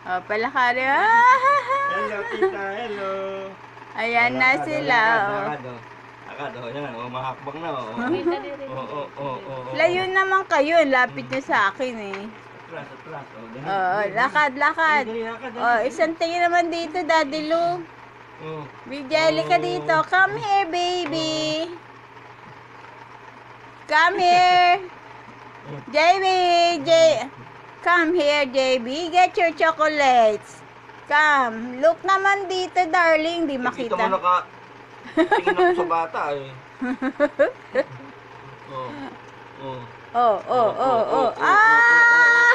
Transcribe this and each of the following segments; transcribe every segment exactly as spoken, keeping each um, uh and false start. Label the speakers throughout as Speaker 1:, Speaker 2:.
Speaker 1: Oh, palakari. Ah!
Speaker 2: Hello, tita. Hello.
Speaker 1: Ayan na sila. Oh.
Speaker 2: Lakad, oh. Lakad, oh. Yan, oh. Mahakbang na, oh. Oo, oo, oo, oo.
Speaker 1: Layo naman kayo. Lapit nyo sa akin eh.
Speaker 2: Atras, atras. Oh, dali.
Speaker 1: Oo, lakad, lakad.
Speaker 2: Dali, dali, lakad, dali.
Speaker 1: Oh, isang tingin naman dito, Daddy Lu.
Speaker 2: Oh.
Speaker 1: Big Jelly ka dito. Come here, baby. Come here. J B, J. Come here, J B. Get your chocolates. Come. Look naman dito, darling. Di
Speaker 2: Nakita
Speaker 1: makita.
Speaker 2: mo naka... Tingin ako sa bata, eh. Oh. Oh.
Speaker 1: Oh, oh, oh, oh. Ah!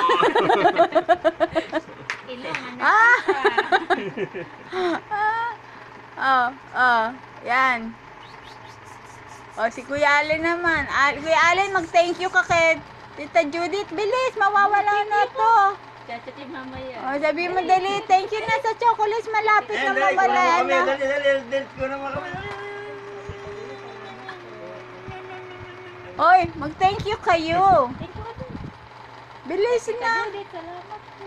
Speaker 3: Kailangan na
Speaker 1: Ah!
Speaker 3: kita.
Speaker 1: Oh, oh. Yan. Oh, si Kuya Allen naman. Ah, Kuya Allen, mag-thank you ka kay Tita Judith. Bilis, mawawala na to.
Speaker 3: Chachatin mamaya.
Speaker 1: Oh, sabi mo dali, thank you na sa chocolates. Malapit
Speaker 2: Eh,
Speaker 1: na
Speaker 2: dali,
Speaker 1: mawala
Speaker 2: kuha mo kami.
Speaker 1: na.
Speaker 2: Dali, dali, dali. Ko naman kami.
Speaker 1: Oy, mag-thank you kayo.
Speaker 3: Thank you ate.
Speaker 1: Bilis na.
Speaker 3: Judith, salamat po.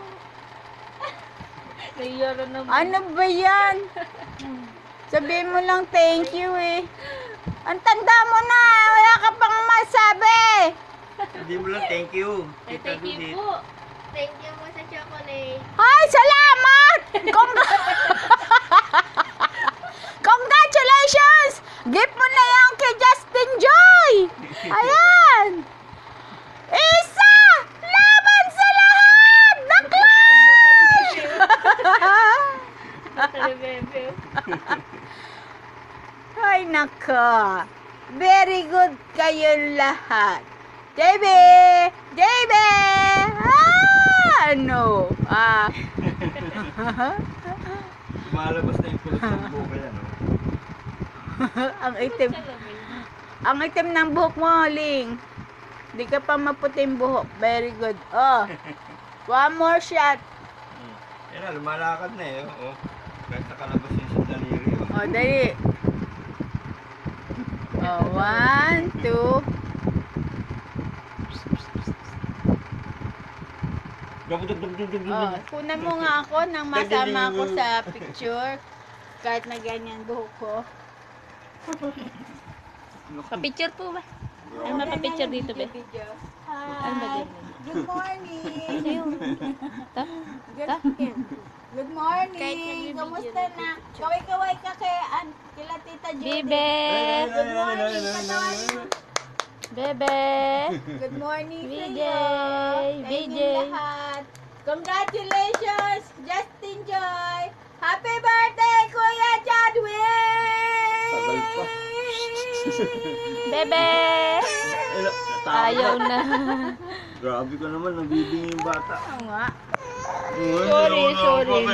Speaker 3: Naiyaran naman.
Speaker 1: Ano ba yan? Sabihin mo lang thank you eh. Ang tanda mo na, wala ka pang masabi.
Speaker 2: Hindi mo lang thank you.
Speaker 3: Ay,
Speaker 2: Tita
Speaker 3: thank you
Speaker 2: Judith.
Speaker 3: po. Thank you po sa chocolate.
Speaker 1: Ay, salamat! Congr- Congratulations! Gift mo na yan kay Justin Joy! Ayan! Isa! Laban sa lahat! Naklan!
Speaker 3: Nakalibebe.
Speaker 1: Ay, nako. Very good kayong lahat. J B! J B! Ah! Ano? Ah.
Speaker 2: Malabas na yung kulot ng buka yan, oh.
Speaker 1: Ang itim. Ang itim ng buhok mo, Ling. Di ka pa maputing buhok. Very good. Oh. One more shot.
Speaker 2: Hmm. Yan na, lumalakad na eh. Oh. Kahit nakalabas yun sa daliri. Oh.
Speaker 1: Oh, dali. Oh, one, two. Oh, kunan mo nga ako nang masama ako sa picture. Kahit na ganyan buhok ko.
Speaker 3: Pa-picture po ba? Ano ba pa-picture dito be? Ano ba
Speaker 1: Hi.
Speaker 3: dyan?
Speaker 1: Good morning.
Speaker 3: Ano yun? Ta?
Speaker 1: Good,
Speaker 3: Ta?
Speaker 1: good
Speaker 3: Kahit
Speaker 1: morning.
Speaker 3: nag-video
Speaker 1: Kamusta na? Kaway-kaway ka kay an, kila Tita Judy.
Speaker 3: Bebe!
Speaker 1: Good morning. Patawanin mo.
Speaker 3: Bebe!
Speaker 1: Good morning sa
Speaker 3: V J,
Speaker 1: iyo. Sa
Speaker 3: V J.
Speaker 1: inyong lahat. Congratulations, Justin Joy. Happy birthday, Kuya Chadwick!
Speaker 2: Tagal pa.
Speaker 3: Bebe! Ayaw na.
Speaker 2: Grabe ka naman, nabibing yung bata.
Speaker 1: Oo nga.
Speaker 2: Sorry,
Speaker 3: Sorry, sorry.